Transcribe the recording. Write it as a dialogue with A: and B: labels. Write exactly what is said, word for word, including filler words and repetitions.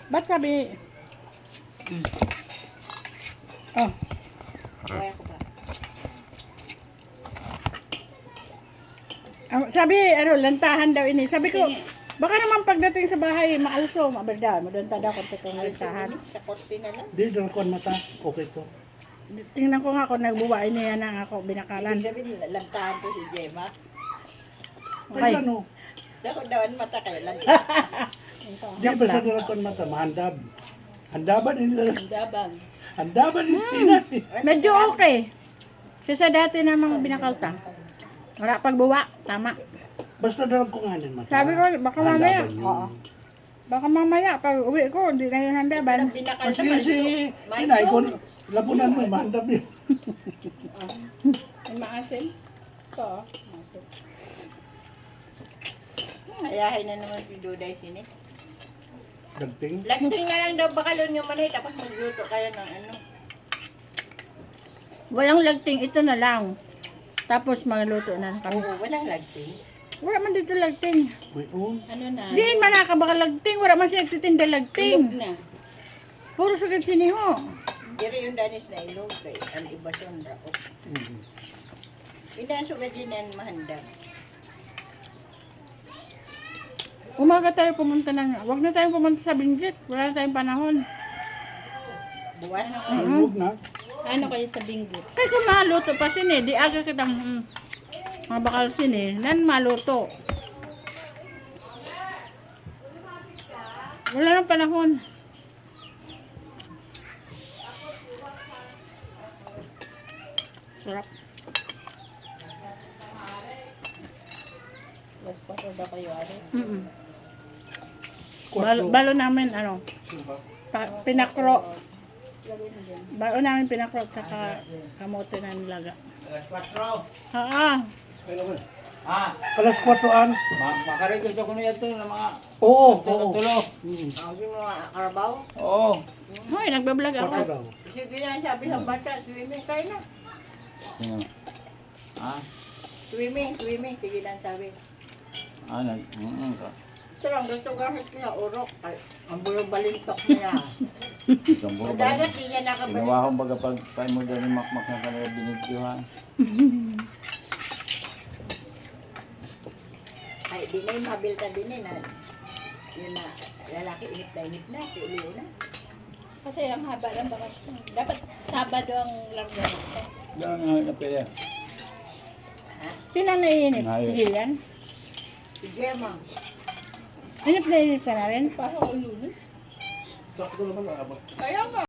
A: Ba't sabi? Oh.
B: Kaya ko ba?
A: Ah, sabi, ano, lantahan daw ini. Sabi ko, baka naman pagdating sa bahay, maalso, mabarda, madunta daw kung itong lantahan.
B: Sa korte na lang.
C: Di, doon ko mata. Okay to.
A: Tingnan ko nga kung nagbuwain niya na ako binakalan.
B: Ibig sabihin, lantahan ko si Gemma.
A: Ay.
C: Ay, ano?
B: Dako dawan mata kayo, lantahan.
C: Diyan ba sa doon ko mata? Mahandab. Handaban ini.
B: Dabang.
C: Handaban ini. Tinan.
A: Medyo okay. Kasi dati na mga binakalta. Wala pagbuwa, tama.
C: Basta dalag ko nga ng mata.
A: Sabi ko, baka mamaya.
C: Handaban yun.
A: Oo. Baka mamaya, pag uwi ko, hindi na yung handaban.
B: Binakal
C: Kasi si, inay ko, labunan mo, mahandab yun.
A: Ay, maasim. Ito, maasim.
B: Ayahay na naman si Duday sini.
C: Dagting.
B: Lanting na lang daw bakalon yung manay, tapos magluto kayo ng ano.
A: Walang lagting, ito na lang. Tapos magluto na kami.
B: Oo, walang lanting.
A: Wala man dito lagting.
C: May on.
B: Ano na?
A: Di man nakabaka lagting. Wala man siya nagtitinda
B: Ilog
A: lagting.
B: na.
A: Puro sugad siniho.
B: Diri yung danis na ilog kay ang iba siya ang raok.
C: Mhm.
B: Inaan sugad din yan mahandang.
A: Umaga tayo pumunta ng... Huwag na tayong pumunta sa Benguet. Wala na tayong panahon.
B: Buwan na ko.
A: Mm-mm.
C: Huwag na.
B: Ano kayo sa bingot?
A: Kasi maluto pa sini. Di aga kitang... Mm, mga bakal sini. Nan maluto. Wala nang panahon. Sarap.
B: Mas paso daw kayo, Aris.
A: Mm-mm. Balo, balo namin, ano, pa, pinakro.
B: Lagay mo dyan.
A: Balo namin pinakro saka kamote na nilaga.
D: Alas kwatro.
A: Ah,
D: Ah,
C: Alas kwatro-an.
D: ma makarecord ako na ito ng mga
C: Oo, oo.
D: tulo.
C: Mhm.
B: Ang yung mga karabaw.
D: Oo.
A: hoy, nagbablog ako.
C: Kwatro daw.
B: Sige na sabi ng bata, swimming kayo na.
D: Sino? Ah,
B: Swimming, swimming. Sige na sabi.
D: ah, nag... Mm,
B: Ito lang, gusto gamit kaya urok. Ay, ang bulong balintok niya.
D: itong buo
B: Ang
D: ba?
B: dagat, di niya nakabalik.
D: Ginawa ko baga pag tayo mo dyan yung makmak na kanila binigyohan.
B: Ay, di na yung mabilta din eh na. Yun na, lalaki inip na inip na. Si Ulio na.
E: Kasi ang haba ng bakasyon. Dapat Sabado ang larga nito.
D: Gano'n nga na pwede.
A: Sino ang naiinip?
D: Ayos.
A: Si Gillian?
B: Si Gemma.
A: Inip na inip ka na rin?
E: Parang lunes.
C: Sakto naman, abot.
E: Kaya nga.